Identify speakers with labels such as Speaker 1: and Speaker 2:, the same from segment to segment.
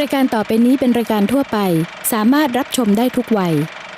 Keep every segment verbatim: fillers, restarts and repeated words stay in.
Speaker 1: รายการต่อไปนี้เป็นรายการทั่วไปสามารถรับชมได้ทุกวัย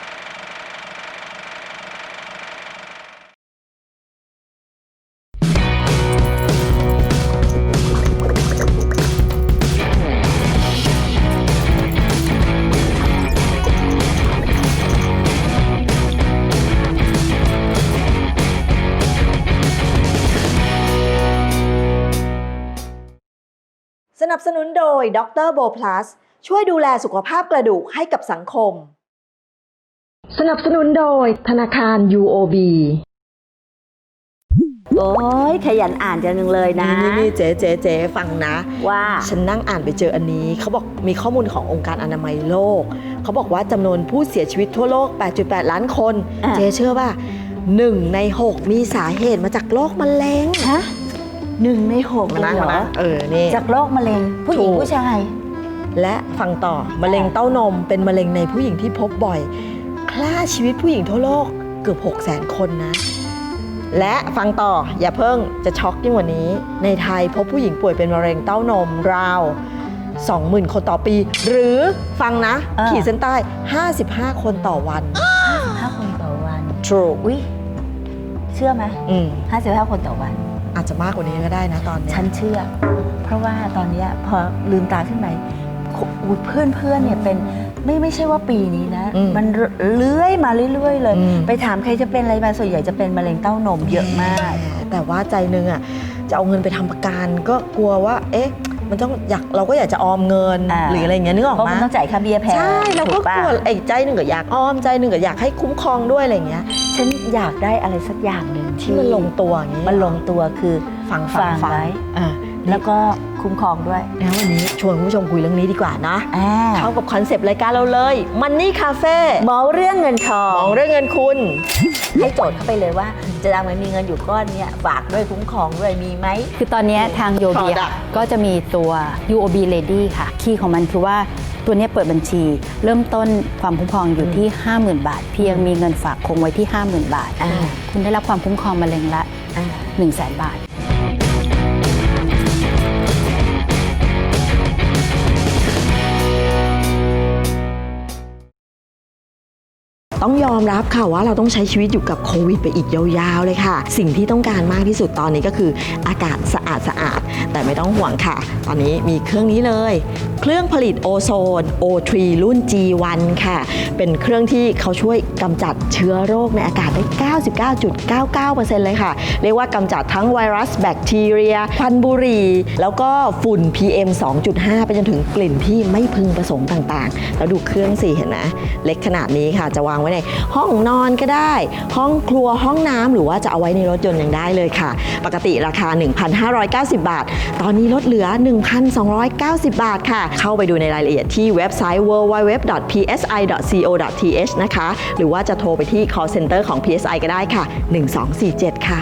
Speaker 2: สนับสนุนโดยด็อกเตอร์โบพลัสช่วยดูแลสุขภาพกระดูกให้กับสังคม
Speaker 3: สนับสนุนโดยธนาคาร ยู โอ บี
Speaker 4: โอ้ยขยันอ่านจังเลยนะ
Speaker 2: นี่นี่เจ๊เจ๊เจ๊ฟังนะ
Speaker 4: ว่า
Speaker 2: ฉันนั่งอ่านไปเจออันนี้เขาบอกมีข้อมูลขององค์การอนามัยโลกเขาบอกว่าจำนวนผู้เสียชีวิตทั่วโลก แปดจุดแปด ล้านคนเจ๊เชื่อป่ะหนึ่งในหกมีสาเหตุมาจากโรคมะเร็ง
Speaker 4: ฮะหนึ่งในหก
Speaker 2: มา
Speaker 4: เลย
Speaker 2: นั่ง
Speaker 4: เหร
Speaker 2: มา
Speaker 4: อ
Speaker 2: นะเออนี่
Speaker 4: จากโรคมะเร็งผู้หญิงผู้ชาย
Speaker 2: และฟังต่อมะเร็งเต้านมเป็นมะเร็งในผู้หญิงที่พบบ่อยฆ่าชีวิตผู้หญิงทั่วโลกเกือบ หกแสน คนนะและฟังต่ออย่าเพิ่งจะช็อกยิ่งกว่านี้ในไทยพบผู้หญิงป่วยเป็นมะเร็งเต้านมราว สองหมื่น คนต่อปีหรือฟังนะขีดเส้นใต้ห้าสิบห้าคนต่อวัน
Speaker 4: ห้าสิบห้าคนต่อวัน
Speaker 2: True
Speaker 4: อุ้ยเชื่อไหม
Speaker 2: อืม
Speaker 4: ห้าสิบห้าคนต่อวัน
Speaker 2: อาจจะมากกว่านี้ก็ได้นะตอนนี้
Speaker 4: ฉันเชื่อเพราะว่าตอนนี้พอลืมตาขึ้นไปเพื่อนเพื่อนเนี่ยเป็นไม่ไม่ใช่ว่าปีนี้นะมันเลื้อยมาเรื่อยๆเลยไปถามใครจะเป็นอะไรมาส่วนใหญ่จะเป็นมะเร็งเต้านมเยอะมาก
Speaker 2: แต่ว่าใจนึงอ่ะจะเอาเงินไปทำประกันก็กลัวว่าเอ๊ะมันต้องอยากเราก็อยากจะออมเงินหรืออะไรอย่างเงี้ยนึกออกไหม
Speaker 4: เพราะมันต้องจ่ายค่าเบี้ยแพง
Speaker 2: ใช่เราก็กลัวไอ้ใจหนึ่งก็อยากออมใจหนึ่งก็อยากให้คุ้มครองด้วยอะไรอย่างเงี้ย
Speaker 4: ฉันอยากได้อะไรสักอย่างหนึ่ง
Speaker 2: ที่มันลงตัวอย่างงี้
Speaker 4: มันลงตัวคือ
Speaker 2: ฟัง
Speaker 4: ฟังไว้แล้วก็คุ้มครองด้วย
Speaker 2: แล้ววันนี้ชวนคุณผู้ชมคุยเรื่องนี้ดีกว่านะเข้ากับคอนเซปต์รายการเราเลยมันนี่คาเฟ่
Speaker 4: เมาเรื่องเงินทอง
Speaker 2: เมาเรื่องเงินคุณ
Speaker 4: ให้โจทย์เข้าไปเลยว่าจะดังไหมมีเงินอยู่ก้อนเนี้ยฝากด้วยคุ้มครองด้วยมีไหม
Speaker 5: คือตอนนี้ทางโยบีก็จะมีตัว ยู โอ บี Lady ค่ะคีย์ของมันคือว่าตัวนี้เปิดบัญชีเริ่มต้นความคุ้มครองอยู่ที่ ห้าหมื่น บาทเพียงมีเงินฝากคงไว้ที่ ห้าหมื่น บาทคุณได้รับความคุ้มครองมะเร็งละ หนึ่งแสน บาท
Speaker 2: ต้องยอมรับค่ะว่าเราต้องใช้ชีวิตอยู่กับโควิดไปอีกยาวๆเลยค่ะสิ่งที่ต้องการมากที่สุดตอนนี้ก็คืออากาศสะอาดสะอาดแต่ไม่ต้องห่วงค่ะตอนนี้มีเครื่องนี้เลยเครื่องผลิตโอโซน โอ ทรี รุ่น จี วัน ค่ะเป็นเครื่องที่เขาช่วยกำจัดเชื้อโรคในอากาศได้ เก้าสิบเก้าจุดเก้าเก้าเปอร์เซ็นต์ เลยค่ะเรียกว่ากำจัดทั้งไวรัสแบคทีเรียควันบุหรี่แล้วก็ฝุ่น พี เอ็ม สองจุดห้า ไปจนถึงกลิ่นที่ไม่พึงประสงค์ต่างๆแล้วดูเครื่องสิเห็นนะเล็กขนาดนี้ค่ะจะวางไว้ในห้องนอนก็ได้ห้องครัวห้องน้ำหรือว่าจะเอาไว้ในรถยนต์ยังได้เลยค่ะปกติราคา หนึ่งพันห้าร้อยเก้าสิบ บาทตอนนี้ลดเหลือ หนึ่งพันสองร้อยเก้าสิบ บาทค่ะเข้าไปดูในรายละเอียดที่เว็บไซต์ ดับเบิลยู ดับเบิลยู ดับเบิลยู ดอท พี เอส ไอ ดอท ซี โอ ดอท ที เอช นะคะหรือว่าจะโทรไปที่ call center ของ พี เอส ไอ ก็ได้ค่ะหนึ่งสองสี่เจ็ดค่ะ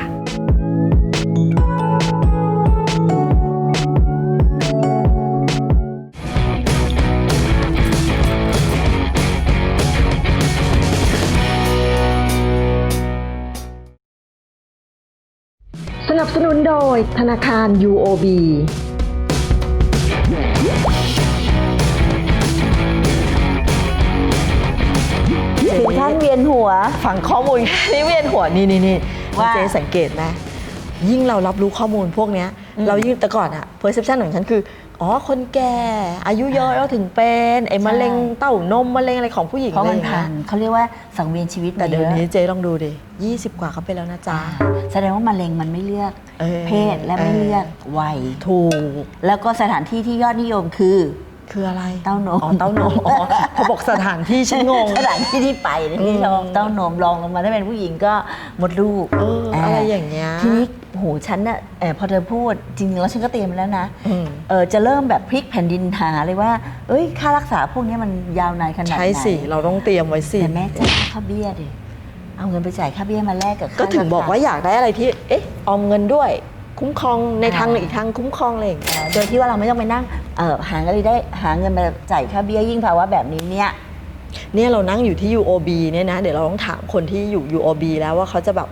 Speaker 3: สนับสนุนโดยธนาคาร ยู โอ บี
Speaker 4: ถึงท่านเวียนหัว
Speaker 2: ฟังข้อมูลนี่เวียนหัวนี่นี่นี่เจ๊สังเกตไหมยิ่งเรารับรู้ข้อมูลพวกนี้เรายิ่งแต่ก่อนอะ perception ของฉันคืออ๋อคนแก่อายุเยอะแล้วถึงเป็นไอ้มะเร็งเต้านมมะเร็งอะไรของผู้หญิงอะไรอย่างเงี้ย
Speaker 4: เขาเรียกว่าสังเวียนชีวิต
Speaker 2: แต่เดี๋ยวนี้เจ๊ลองดูดิยี่สิบกว่าเขาไปแล้วนะจ๊ะ
Speaker 4: แสดงว่ามะเร็งมันไม่เลือกเพศและไม่เลือกวัย
Speaker 2: ถูก
Speaker 4: แล้วก็สถานที่ที่ยอดนิยมคือ
Speaker 2: คืออะไร
Speaker 4: เต้านม
Speaker 2: อ๋อเต้านมอ๋อพอบอกสถานที่ฉันงง
Speaker 4: สถานที่ที่ไปที่เราเต้านมลองลงมาถ้าเป็นผู้หญิงก็มดลูก
Speaker 2: อะไรอย่างเงี้ย
Speaker 4: ทีนี้โหฉันน่ะพอเธอพูดจริงๆแล้วฉันก็เตรียมแล้วนะเออจะเริ่มแบบพลิกแผ่นดินหาเลยว่าเอ้ยค่ารักษาพวกนี้มันยาวนานขนาดไหน
Speaker 2: ใช่สิเราต้องเตรียมไว้สิ
Speaker 4: แต่แม่จ่ายค่าเบี้ยดิเอาเงินไปจ่ายค่าเบี้ยมาแลกกับ
Speaker 2: ก็ถึงบอกว่าอยากได้อะไรที่เอ๊ะออมเงินด้วยคุ้มครองในทางอีกทางคุ้มครองอะไรอย่างเงี้ย
Speaker 4: โดยที่ว่าเราไม่ต้องไปนั่งเออหาเงินได้หาเงินมาจ่ายค่าเบี้ยยิ่งภาวะแบบนี้เนี่ย
Speaker 2: เนี่ยเรานั่งอยู่ที่ ยู โอ บี เนี่ยนะเดี๋ยวเราต้องถามคนที่อยู่ ยู โอ บี แล้วว่าเขาจะแบบ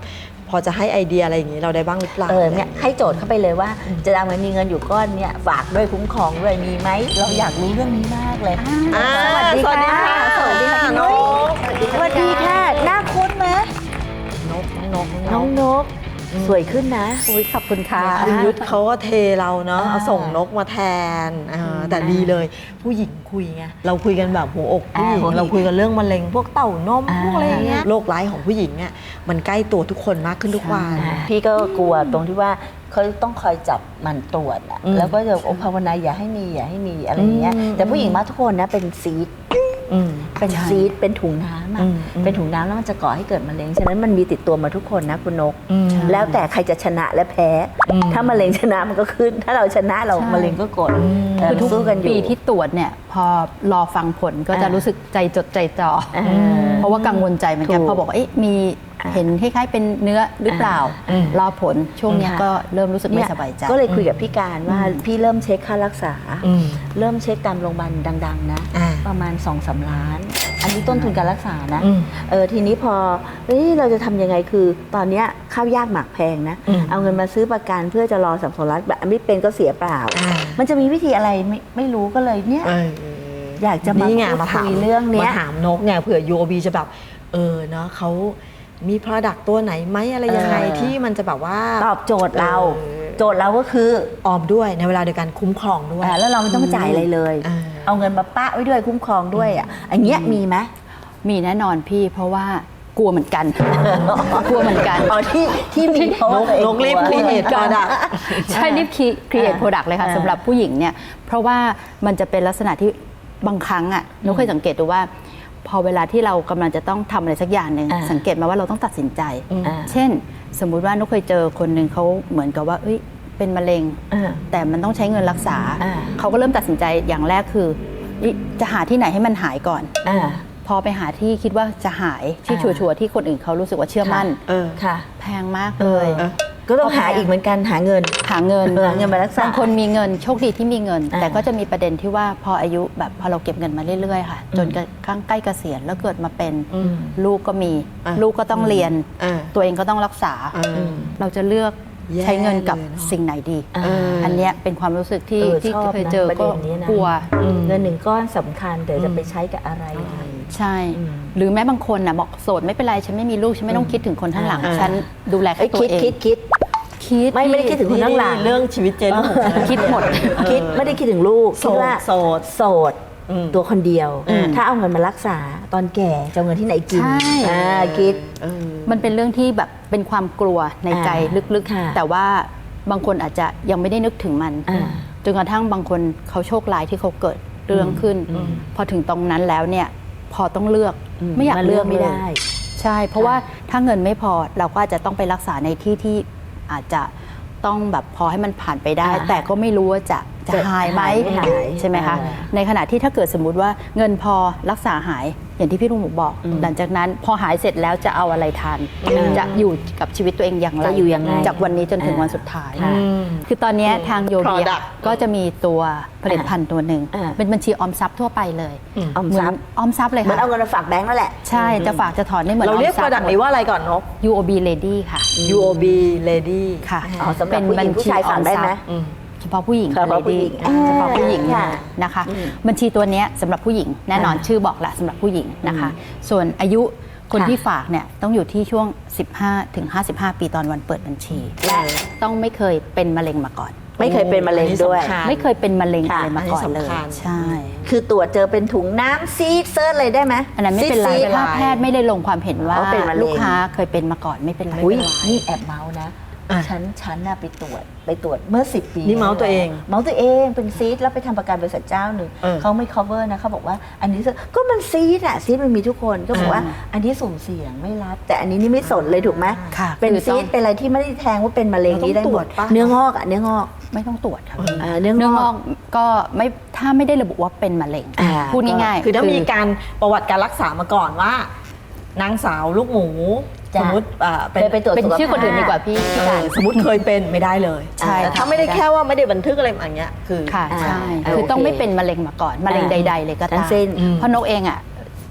Speaker 2: พอจะให้ไอเดียอะไรอย่างนี้เราได้บ้างหรือเปล่า
Speaker 4: เออเนี่ยให้โจทย์เข้าไปเลยว่า จะเอาเงินมีเงินอยู่ก้อนเนี่ยฝากด้วยคุ้มครองด้วยมีไหมเราอยากรู้เรื่องนี้มากเลย
Speaker 2: อ่า
Speaker 4: สวัสดีค่ะ
Speaker 2: สวัสดีค่ะ
Speaker 4: สวัสดีค่ะ
Speaker 2: น้อง
Speaker 4: สวัสดีค่ะหน้าคุ้นไหม
Speaker 2: นกนก
Speaker 4: น้องนกสวยขึ้นนะ
Speaker 5: อุ้ยขอบคุณค่ะ
Speaker 2: คุณยุทธเขาก็เทเราเนาะ
Speaker 4: อ่า
Speaker 2: เอาส่งนกมาแทนอ่าแต่ดีเลยผู้หญิงคุยไงเราคุยกันแบบหัวอกผู้หญิง
Speaker 4: อ่าหัวหิน
Speaker 2: เราคุยกันเรื่องมะเร็งพวกเต้านม
Speaker 4: อ่า
Speaker 2: พวกอะไรอย่างเงี้ยโรคร้ายของผู้หญิงเนี่ยมันใกล้ตัวทุกคนมากขึ้นทุกวัน
Speaker 4: พี่ก็กลัวตรงที่ว่าเขาต้องคอยจับมันตรวจอะ
Speaker 2: อืม
Speaker 4: แล้วก็จะโอภาวนาอย่าให้มีอย่าให้มีอะไรอย่างเงี้ย
Speaker 2: อืม
Speaker 4: แต่ผู้หญิงมากทุกคนนะเป็นซีด
Speaker 2: อืม
Speaker 4: เป็น
Speaker 5: ใช่
Speaker 4: ซีดเป็นถุงน้ำอะ
Speaker 2: อืมอืม
Speaker 4: เป็นถุงน้ำแล้วมันจะก่อให้เกิดมะเร็งฉะนั้นมันมีติดตัวมาทุกคนนะคุณนก
Speaker 2: อืม
Speaker 4: แล้วแต่ใครจะชนะและแพ้
Speaker 2: อืม
Speaker 4: ถ้ามะเร็งชนะมันก็ขึ้น ถ้าเราชนะเรา
Speaker 5: ใช่
Speaker 4: มะเร็งก็กด
Speaker 2: อืม
Speaker 4: เออ
Speaker 5: คือทุก
Speaker 4: สู้กันอยู่
Speaker 5: ปีที่ตรวจเนี่ยพอรอฟังผลก็จะ
Speaker 4: อ่ารู้
Speaker 5: รู้สึกใจจดใจจ่ออ
Speaker 4: อ่า
Speaker 5: เพราะว่ากังวลใจเหมือนกัน
Speaker 4: ถูก
Speaker 5: พอบอกว่าเอ๊ะมี
Speaker 4: อ่า
Speaker 5: เห็นคล้ายๆเป็นเนื้อหรือเปล่า
Speaker 2: อืม
Speaker 5: รอผลช่วงเนี้ย
Speaker 4: ค่ะ
Speaker 5: ก็เริ่มรู้สึกไม่สบายใจ
Speaker 4: ก็เลยคุยกับพี่การว่าพี่เริ่มเช็คค่ารักษา
Speaker 2: อืม
Speaker 4: เริ่มเช็คตามโรงพยาบาลดัง ๆ นะ
Speaker 2: อ่า
Speaker 4: ประมาณสองสามล้าน อันนี้ต้นทุนการรักษานะ
Speaker 2: อืม
Speaker 4: เออทีนี้พอเอ้ยเราจะทำยังไงคือ ตอนเนี้ยข้าวยากหมากแพงนะ
Speaker 2: อืม
Speaker 4: เอาเงินมาซื้อประกันเพื่อจะรอสัมสนรัฐแบบไม่เป็นก็เสียเปล่า
Speaker 2: อ่า
Speaker 4: มันจะมีวิธีอะไรไม่ไม่รู้ก็เลยเนี่ย
Speaker 2: เออ
Speaker 4: อยากจะมา
Speaker 2: นี่ไง
Speaker 4: พูด
Speaker 2: มาถาม
Speaker 4: คุยเรื่องเนี้ย
Speaker 2: มาถามนกไงเผื่อ ยู โอ บี จะแบบเออเนาะเขามี product ตัวไหนไหมอะไรยังไง
Speaker 4: เออ
Speaker 2: ที่มันจะแบบว่า
Speaker 4: ตอบโจทย์เรา
Speaker 2: เออ
Speaker 4: โจทย์เราก็คือ
Speaker 2: ออมด้วยในเวลาเดียวกันคุ้มครองด้วย
Speaker 4: อ่าแล้วเราไม่ต้องจ่ายอะไรเลย
Speaker 2: อ่า
Speaker 4: เอาเงินมาปะไว้ด้วยคุ้มครองด้วยอ่ะอันเนี้ยมีไหม
Speaker 5: มีแน่นอนพี่เพราะว่ากลัวเหมือนกัน กลัวเหมือนกัน
Speaker 4: อ๋อที่ที่มีเพราะว่าตัวเอง
Speaker 2: นกรีบ
Speaker 4: กลัว
Speaker 2: create product
Speaker 5: ใช่รีบคิด create
Speaker 4: อ่า
Speaker 5: product เลยค่ะ
Speaker 4: อ่า
Speaker 5: สำหรับผู้หญิงเนี่ยเพราะว่ามันจะเป็นลักษณะที่บางครั้งอ่ะนุกเคยสังเกตดูว่า พอเวลาที่เรากำลังจะต้องทำอะไรสักอย่างหนึ่ง
Speaker 4: อ่า
Speaker 5: สังเกตมาว่าเราต้องตัดสินใจ
Speaker 4: อ่า
Speaker 5: เช่น สมมุติว่านุกเคยเจอคนหนึ่งเขาเหมือนกับว่าเอ้ยเป็นมะเร็ง
Speaker 4: อ่า
Speaker 5: แต่มันต้องใช้เงินรักษา
Speaker 4: อ่า
Speaker 5: เขาก็เริ่มตัดสินใจอย่างแรกคือเอ้ยจะหาที่ไหนให้มันหายก่อน
Speaker 4: อ่า
Speaker 5: พอไปหาที่คิดว่าจะหายที่
Speaker 4: อ่า
Speaker 5: ชัวร์ๆที่คนอื่นเขารู้สึกว่าเชื่อมั่น
Speaker 2: เออ
Speaker 4: ค่ะ
Speaker 5: แพงมากเลย
Speaker 2: เออ
Speaker 4: ก็ต้องหาอีกเหมือนกันหาเงิน
Speaker 5: หาเงิน
Speaker 4: เออหาเงินมารักษา
Speaker 5: บางคนมีเงินโชคดีที่มีเงิน
Speaker 4: อ่า
Speaker 5: แต่ก็จะมีประเด็นที่ว่าพออายุแบบพอเราเก็บเงินมาเรื่อยๆค่ะ จนกระทั่งใกล้เกษียณแล้วเกิดมาเป็น
Speaker 2: อืม
Speaker 5: ลูกก็มี
Speaker 2: อ่า
Speaker 5: ลูกก็ต้องเรียน
Speaker 2: อ่า
Speaker 5: ตัวเองก็ต้องรักษา
Speaker 2: อ่า
Speaker 5: เราจะเลือก
Speaker 2: แย่
Speaker 5: ใช้เงินกับ
Speaker 2: เลยเนอะ
Speaker 5: สิ่งไหนดี
Speaker 4: อ่า
Speaker 2: เอออั
Speaker 5: อันเนี้ยเป็นความรู้สึกที่
Speaker 4: เออ
Speaker 5: ที่
Speaker 4: ชอบ
Speaker 5: เคย
Speaker 4: นะ
Speaker 5: เจอ
Speaker 4: ประ
Speaker 5: ก็
Speaker 4: เด็นนี้นะ
Speaker 5: กลัว
Speaker 4: เงินหนึ่งก้อนสำคัญแต่จะไปใช้กับอะไร
Speaker 5: ใช่
Speaker 4: อืม
Speaker 5: หรือแม้บางคนน่ะบอกโสดไม่เป็นไรฉันไม่มีลูกฉันไม่ต้องคิดถึงคนข้างหลัง
Speaker 2: อ่า
Speaker 5: ฉันดูแล
Speaker 4: ไอ้
Speaker 5: แค่
Speaker 4: ย
Speaker 5: ตัว
Speaker 4: คิด
Speaker 5: เอง
Speaker 4: คิดคิด
Speaker 5: คิด
Speaker 4: ไม่ไม่ได้คิดถึง คนข้างหลัง
Speaker 2: เรื่องชีวิตเจนของฉัน
Speaker 5: คิดหมด
Speaker 4: คิดไม่ได้คิดถึงลูก
Speaker 2: โส
Speaker 4: คิด
Speaker 2: ด
Speaker 4: ว่า
Speaker 2: โสด
Speaker 4: โสด
Speaker 2: อืม
Speaker 4: ตัวคนเดียว
Speaker 2: อืม
Speaker 4: ถ้าเอาเงินมารักษาตอนแก่จะเอาเงินที่ไหนกิน
Speaker 5: ใช่
Speaker 4: อ่าคิด
Speaker 2: เออ
Speaker 5: มันเป็นเรื่องที่แบบเป็นความกลัวในใจ
Speaker 4: อ่า
Speaker 5: ลึก
Speaker 4: ค่ะ
Speaker 5: ๆ แต่ว่าบางคนอาจจะยังไม่ได้นึกถึงมัน
Speaker 4: อ่า
Speaker 5: จนกระทั่งบางคนเขาโชคร้ายที่เขาเกิดเรื่องขึ้น พอถึงตรงนั้นแล้วเนี่ยพอต้องเลือก
Speaker 4: อืม
Speaker 5: ไม่อยาก
Speaker 4: มันเลื
Speaker 5: เลื
Speaker 4: อ
Speaker 5: อก ก
Speaker 4: ไม่
Speaker 5: เล
Speaker 4: ได้
Speaker 5: ยใช่ เพราะว่าถ้าเงินไม่พอเราก็อาจจะต้องไปรักษาในที่ที่อาจจะต้องแบบพอให้มันผ่านไปได้
Speaker 4: อ่า
Speaker 5: แต่ก็ไม่รู้ว่าจะจะ
Speaker 4: จะ
Speaker 5: หายไหม
Speaker 4: หายไม่หาย
Speaker 5: ใช่ไหมคะ
Speaker 4: อ่า
Speaker 5: ในขณะที่ถ้าเกิดสมมุติว่าเงินพอรักษาหายอย่างที่พี่ลุงหมูบอก
Speaker 4: อืม
Speaker 5: หลังจากนั้นพอหายเสร็จแล้วจะเอาอะไรทาน จะอยู่กับชีวิตตัวเองอย่างไร
Speaker 4: จะอยู่ยังไง
Speaker 5: จากวันนี้จนถึง
Speaker 4: อ่า
Speaker 5: วันสุดท้าย
Speaker 4: ค่ะ
Speaker 5: คือตอนเนี้ยทางโยเบีย
Speaker 2: Product
Speaker 5: ก็จะมีตัวผลิตภัณฑ์ตัวหนึ่ง
Speaker 4: อ่า
Speaker 5: เป็นบัญชีออมทรัพย์ทั่วไปเลย
Speaker 2: อืม
Speaker 4: ออม
Speaker 5: เหมื
Speaker 4: ท
Speaker 5: อ
Speaker 4: รั
Speaker 5: น
Speaker 4: พย์
Speaker 5: ออมทรัพย์เลย
Speaker 4: เหมือน
Speaker 5: ค่ะ
Speaker 4: เอาเงินมาฝากแบงก์นั่นแหละ
Speaker 5: ใช่จะฝากจะถอนได้เหมือน
Speaker 2: เราเรียก
Speaker 5: ออมท
Speaker 2: product นี้ว่าอะไรก่อนนก
Speaker 5: ยู โอ บี Lady ค่ะ
Speaker 2: ยู โอ บี Lady
Speaker 5: ค่ะ
Speaker 4: อ๋อสำหรับผู้หญิงผู้ชายฝากได้ไหม
Speaker 2: อืม
Speaker 5: เฉพาะผู้หญิง
Speaker 4: เฉพาะผู้หญิง
Speaker 5: Lady เฉพาะผู้หญิง
Speaker 4: ค่ะ
Speaker 5: นะคะ
Speaker 4: อืม
Speaker 5: บัญชีตัวเนี้ยสำหรับผู้หญิงแน่นอน
Speaker 4: อ่า
Speaker 5: ชื่อบอกแหละสำหรับผู้หญิงนะคะ ส่วนอายุคน
Speaker 4: ค่ะ
Speaker 5: ที่ฝากเนี่ยต้องอยู่ที่ช่วง สิบห้าถึงห้าสิบห้า ปีตอนวันเปิดบัญชี และต้องไม่เคยเป็นมะเร็งมาก่อน
Speaker 4: ไม่เคยเป็นมะเร็งด้วย
Speaker 2: อันนี้สำคัญ
Speaker 5: ไม่เคยเป็นมะเร็ง
Speaker 4: ค่ะ
Speaker 5: อะไรมาก่อน
Speaker 2: อันนี้
Speaker 5: เลย
Speaker 2: สำคัญ
Speaker 5: ใช่
Speaker 4: คือตรวจเจอเป็นถุงน้ำซีดเซิร์ชเลยได้ไหม
Speaker 5: อันนั้นไม่เป็นไร
Speaker 4: ซีดๆ
Speaker 5: ถ้าแพทย์ไม่ได้ลงความเห็นว่า
Speaker 4: เขาเป็นมะเร็ง
Speaker 5: ลูกค้าเคยเป็นมาก่อนไม่เป็นไร
Speaker 4: อุ้ยนี่แอบเมาส์นะ
Speaker 2: อ่ะ
Speaker 4: ฉันฉันน่ะไปตรวจไปตรวจเมื่อสิบปี
Speaker 2: นี่เมาส์ตัวเอง
Speaker 4: เมาส์ตัวเองเป็นซีดแล้วไปทำประกันบริษัทเจ้าหนึ่ง
Speaker 2: เออ
Speaker 4: เขาไม่ cover นะเขาบอกว่าอันนี้ก็มันซีดอะซีดมันมีทุกคนก็บอกว่า
Speaker 2: อ่า
Speaker 4: อันนี้สุ่มเสี่ยงไม่รับ แต่อันนี้นี่ไม่สนเลยถูกไหม
Speaker 5: ค่ะ
Speaker 4: เป็น
Speaker 5: คือ
Speaker 4: ซี
Speaker 5: ต้อ
Speaker 4: ด
Speaker 5: ง
Speaker 4: เป็นอะไรที่ไม่ได้แทงว่าเป็นมะเร็ง
Speaker 2: เราต้อง
Speaker 4: นี้ได้หมด
Speaker 2: ตรวจปะ
Speaker 4: เนื้องอกอะเนื้องอก
Speaker 5: ไม่ต้องตรวจค่ะ
Speaker 4: อ่าเนื้อง
Speaker 5: เนื้อง
Speaker 4: อ
Speaker 5: อก กก็ไม่ถ้าไม่ได้ระบุว่าเป็นมะเร็ง
Speaker 4: อ่า
Speaker 5: พูดง่ายๆ
Speaker 2: คือต้องมีการประวัติการรักษามาก่อนว่า นางสาวลูกหมู
Speaker 4: จ้ะ
Speaker 2: สมมติอ่า
Speaker 4: เคยไปตรวจ
Speaker 5: เป็น
Speaker 4: สุขภาพ
Speaker 5: ชื่อคนอื่นดีกว่าพี่พี่
Speaker 2: เอ
Speaker 5: การ
Speaker 2: อสมมติเคยเป็นไม่ได้เลย
Speaker 5: ใช่
Speaker 2: แต่ถ้าไม่ได้แค่ว่าไม่ได้บันทึกอะไรอย่างเงี้ยคือ
Speaker 5: ค่ะ
Speaker 4: อ่า
Speaker 5: ใช่
Speaker 4: อ่า
Speaker 5: คือต้อง
Speaker 4: โอเค
Speaker 5: ไม่เป็นมะเร็งมาก่อนมะเร็ง
Speaker 4: อ่า
Speaker 5: ใด ๆ เลยก็
Speaker 4: ทั้
Speaker 5: ตาง ม
Speaker 4: สิ้น
Speaker 2: อืม
Speaker 5: เพราะนกเองอ่ะ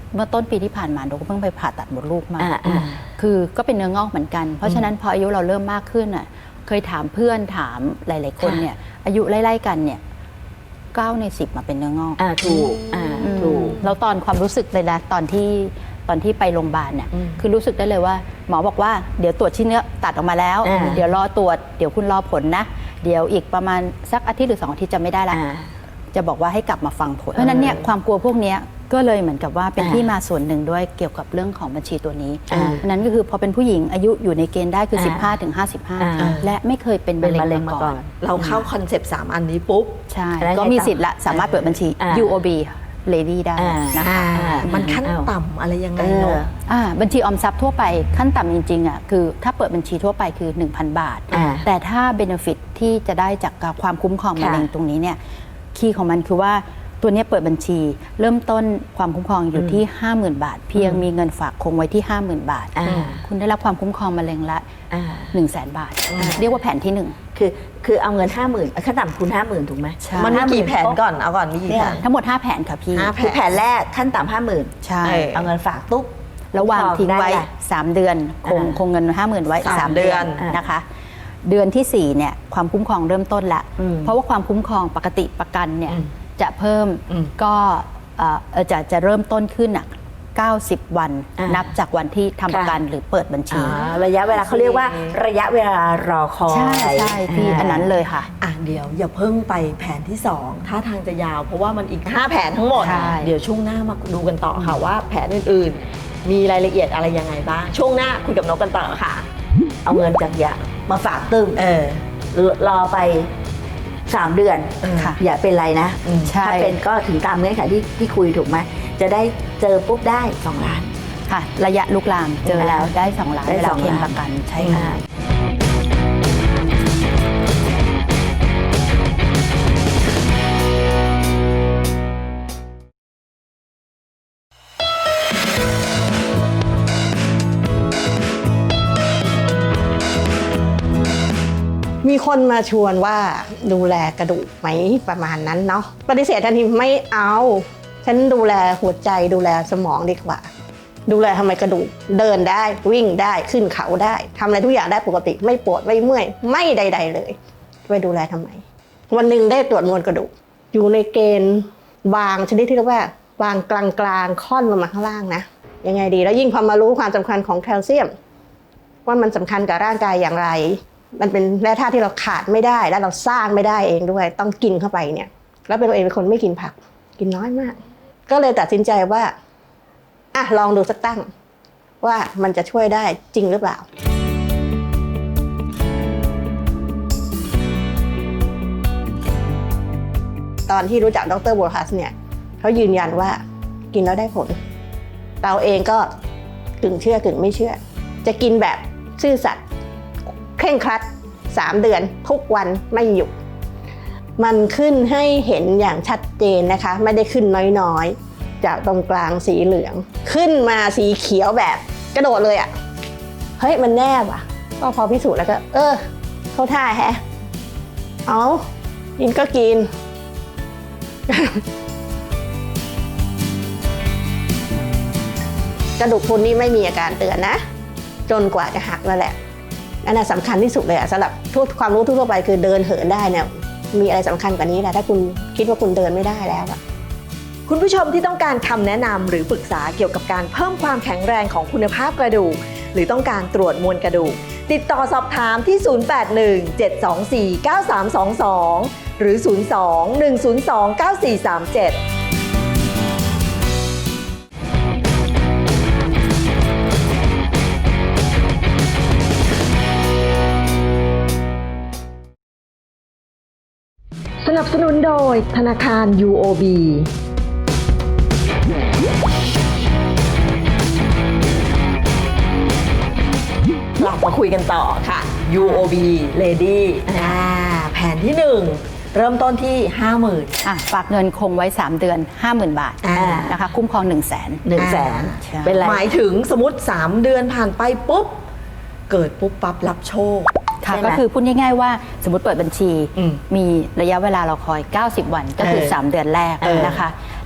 Speaker 5: เมื่อต้นปีที่ผ่านมาหนูก็เพิ่งไปผ่าตัดมดลูกมา
Speaker 4: อ่าอ่า
Speaker 5: คือก็เป็นเนื้องอกเหมือนกัน เพราะฉะนั้นพออายุเราเริ่มมากขึ้นอ่ะเคยถามเพื่อนถามหลาย ๆ คนเนี่ยอายุไล่ๆกันเนี่ยเก้าในสิบมาเป็นเนื้องอก
Speaker 4: อ่าถูกอ่าถูก
Speaker 5: แล้วตอนความรู้สึกเลยนะตอนที่ตอนที่ไปโรงพยาบาลเนี่ย
Speaker 2: อืม
Speaker 5: คือรู้สึกได้เลยว่า หมอบอกว่าเดี๋ยวตรวจชิ้นเนื้อตัดออกมาแล้ว
Speaker 4: อ่า
Speaker 5: เดี๋ยวรอตรวจเดี๋ยวคุณรอผลนะ เดี๋ยวอีกประมาณสักอาทิตย์หรือสองอาทิตย์จะไม่ได้ละ
Speaker 4: อ่า
Speaker 5: จะบอกว่าให้กลับมาฟังผลเพราะฉะนั้นเนี่ยความกลัวพวกเนี้ยก็เลยเหมือนกับว่าเป็น
Speaker 4: อ่า
Speaker 5: ที่มาส่วนหนึ่งด้วยเกี่ยวกับเรื่องของบัญชีตัวนี้
Speaker 4: อ่า
Speaker 5: เพราะฉะนั้นก็คือพอเป็นผู้หญิงอายุอยู่ในเกณฑ์ได้คือ
Speaker 4: อ่า
Speaker 5: สิบห้าถึงห้าสิบห้า
Speaker 4: อ่า
Speaker 5: และไม่เคยเป็น
Speaker 4: เป็น
Speaker 5: มะ
Speaker 4: มะเร็
Speaker 5: เร็
Speaker 4: ง
Speaker 5: ง
Speaker 4: มา
Speaker 5: มา
Speaker 4: ก่
Speaker 5: ก่
Speaker 4: อ
Speaker 5: อน น
Speaker 2: เราเข้าคอนเซปต์สามอันนี้ปุ๊บ
Speaker 5: ใช่
Speaker 4: แล้วไง
Speaker 5: ก็มี
Speaker 4: ต่อ
Speaker 5: สิทธิ์ละสามารถเปิดบัญชี
Speaker 4: อ่า
Speaker 5: ยู โอ บี Lady ได้
Speaker 4: อ่า
Speaker 5: นะคะ
Speaker 4: อ่า
Speaker 2: มันขั้น
Speaker 4: อ้าว
Speaker 2: ต่ำอะไรยังไง
Speaker 4: เออ
Speaker 2: เนาะ
Speaker 5: อ่าบัญชีออมทรัพย์ทั่วไปขั้นต่ำจริงๆอ่ะคือถ้าเปิดบัญชีทั่วไปคือ หนึ่งพัน บาท
Speaker 4: อ่า
Speaker 5: แต่ถ้าเบนฟิตที่จะได้จากความคุ้มครองมะเร็ง
Speaker 4: ค่ะ
Speaker 5: ตรงนี้เนี่ยคีย์ของมันคือว่าตัวเนี้ยเปิดบัญชี เริ่มต้นความคุ้มครองอยู่ที่ ห้าหมื่น บาท เพียงมีเงินฝากคงไว้ที่ ห้าหมื่น บาท
Speaker 4: อ่า
Speaker 5: คุณได้รับความคุ้มครองมะเร็งละ
Speaker 4: อ่า
Speaker 5: หนึ่งแสน บาท เรียกว่าแผนที่หนึ่ง
Speaker 4: คือคือเอาเงินห้าหมื่นขั้นต่ำคุณห้าหมื่นถูกไหม
Speaker 5: ใช่
Speaker 2: มันมีกี่แผนก่อนเอาก่อนมีกี่
Speaker 4: เนี่
Speaker 2: แผ
Speaker 4: ย
Speaker 2: น
Speaker 5: ทั้งหมดห้าแผนค่ะพี่
Speaker 2: ห้า
Speaker 4: คือแผนแรกขั้นต่ำห้าหมื่น
Speaker 5: ใช่
Speaker 2: เออ
Speaker 4: เอาเงินฝากตุ๊บ
Speaker 5: แล้ววางทิ้งไว้
Speaker 4: ได้
Speaker 5: สาม เดือนคง
Speaker 4: อ่า
Speaker 5: คงเงิน ห้าหมื่น ไว้
Speaker 2: สาม
Speaker 5: สาม เดือน
Speaker 2: เดือน
Speaker 5: นะคะ เดือนที่สี่เนี่ยความคุ้มครองเริ่มต้นละ
Speaker 4: อืม
Speaker 5: เพราะว่าความคุ้มครองปกติประกันเนี่ย
Speaker 2: อืม
Speaker 5: จะเพิ่ม
Speaker 2: อืม
Speaker 5: ก็เอ่อเอ่อจะจะเริ่มต้นขึ้นอ่ะเก้าสิบ วัน
Speaker 4: อ่านั
Speaker 5: นับจากวันที่ทำประกัน
Speaker 4: ค่ะ
Speaker 5: หรือเปิดบัญชี
Speaker 4: อ่าระยะเวลาเขาเรียกว่าระยะเวลารอคอย
Speaker 5: ใช่ใช่พี่อันนั้นเลยค่ะ
Speaker 2: อ่ะเดี๋ยวอย่าเพิ่งไปแผนที่สองท่าทางจะยาว เพราะว่ามันอีกห้าแผนทั้งหมด
Speaker 5: ใช่
Speaker 2: เดี๋ยวช่วงหน้ามาดูกันต่อค่ะว่าแผนอื่นๆ มีรายละเอียดอะไรยังไงบ้าง ช่วงหน้าคุยกับนกกันต่อค่ะ
Speaker 4: เอาเงินจากยามาฝากตึ้ง
Speaker 2: เออ
Speaker 4: รอไปสามเดือน
Speaker 5: ค่ะ
Speaker 4: อย่าเป็นไรนะ
Speaker 2: อืม
Speaker 5: ใช่
Speaker 4: ถ้าเป็นก็ถึงตามเงื่อนไขที่ที่คุยถูกไหมจะได้เจอปุ๊บได้สองล้าน
Speaker 5: ค่ะ ระยะลุกลามเจอแล้วได้สองล้าน
Speaker 4: ได้
Speaker 5: เวลา
Speaker 4: สอง
Speaker 5: เคลม
Speaker 4: ล้าน
Speaker 5: ประกันใช่ค่ะ
Speaker 4: อ่า
Speaker 6: มีคนมาชวนว่าดูแลกระดูกไหมประมาณนั้นเนาะปฏิเสธทันทีไม่เอา ฉันดูแลหัวใจดูแลสมองดีกว่า ดูแลทำไมกระดูกเดินได้วิ่งได้ขึ้นเขาได้ทำอะไรทุกอย่างได้ปกติไม่ปวดไม่เมื่อยไม่ใด ๆ เลยไปดูแลทำไม วันหนึ่งได้ตรวจมวลกระดูกอยู่ในเกณฑ์วางชนิดที่เรียกว่าวางกลางๆค่อนลงมาข้างล่างนะยังไงดีแล้วยิ่งพอมารู้ความสำคัญของแคลเซียม ว่ามันสำคัญกับร่างกายอย่างไร มันเป็นแร่ธาตุที่เราขาดไม่ได้และเราสร้างไม่ได้เองด้วย ต้องกินเข้าไปเนี่ย แล้วเป็นตัวเองเป็นคนไม่กินผัก กินน้อยมาก ก็เลยตัดสินใจว่าอ่ะลองดูสักตั้ง ว่ามันจะช่วยได้จริงหรือเปล่า ตอนที่รู้จักดรโบฮัสเนี่ยเขายืนยันว่ากินแล้วได้ผล เราเองก็กึ่งเชื่อกึ่งไม่เชื่อ จะกินแบบซื่อสัตย์เคร่งครัดสามเดือนทุกวันไม่หยุดมันขึ้นให้เห็นอย่างชัดเจนนะคะไม่ได้ขึ้นน้อยๆจากตรงกลางสีเหลือง ขึ้นมาสีเขียวแบบกระโดดเลยอะ่ะเฮ้ยมันแน่ว่ะก็พอพิสูจน์แล้วก็เออเข้าท่าแฮะเอากินก็กิน กระดูกพรุนนี่ไม่มีอาการเตือนนะจนกว่าจะหักนั่นแหละนั่นแหละสำคัญที่สุดเลยอะสำหรับทุกความรู้ทั่วไปคือเดินเหินได้เนี่ยมีอะไรสำคัญกว่านี้แหละถ้าคุณคิดว่าคุณเดินไม่ได้แล้วอะ
Speaker 2: คุณผู้ชมที่ต้องการคำแนะนำหรือปรึกษาเกี่ยวกับการเพิ่มความแข็งแรงของคุณภาพกระดูกหรือต้องการตรวจมวลกระดูกติดต่อสอบถามที่ ศูนย์ แปด หนึ่ง เจ็ด สอง สี่ เก้า สาม สอง สอง หรือ ศูนย์ สอง หนึ่ง ศูนย์ สอง เก้า สี่ สาม เจ็ด
Speaker 3: สนับสนุนโดยธนาคาร ยู โอ บี
Speaker 2: กลับมาคุยกันต่อค่ะ ยู โอ บี Lady อ่าแผนที่หนึ่งเริ่มต้นที่ ห้าหมื่น
Speaker 5: อ่ะฝากเงินคงไว้ สาม เดือน ห้าหมื่น บาท
Speaker 2: อ่า
Speaker 5: นะคะคุ้มครอง หนึ่งแสน
Speaker 4: หนึ่งแสน
Speaker 5: ใช่
Speaker 4: เป็นไร
Speaker 2: หมายถึงสมมติ สาม เดือนผ่านไปปุ๊บ เกิดปุ๊บปั๊บรับโชค
Speaker 5: ค่ะ
Speaker 4: ใช่ไหม
Speaker 5: ก็คือพูดง่ายๆว่าสมมติเปิดบัญชี
Speaker 2: อืม
Speaker 5: มีระยะเวลาเราคอย เก้าสิบ วันก็คือ
Speaker 2: เออ
Speaker 5: สาม เดือนแรก
Speaker 2: เออ
Speaker 5: นะคะ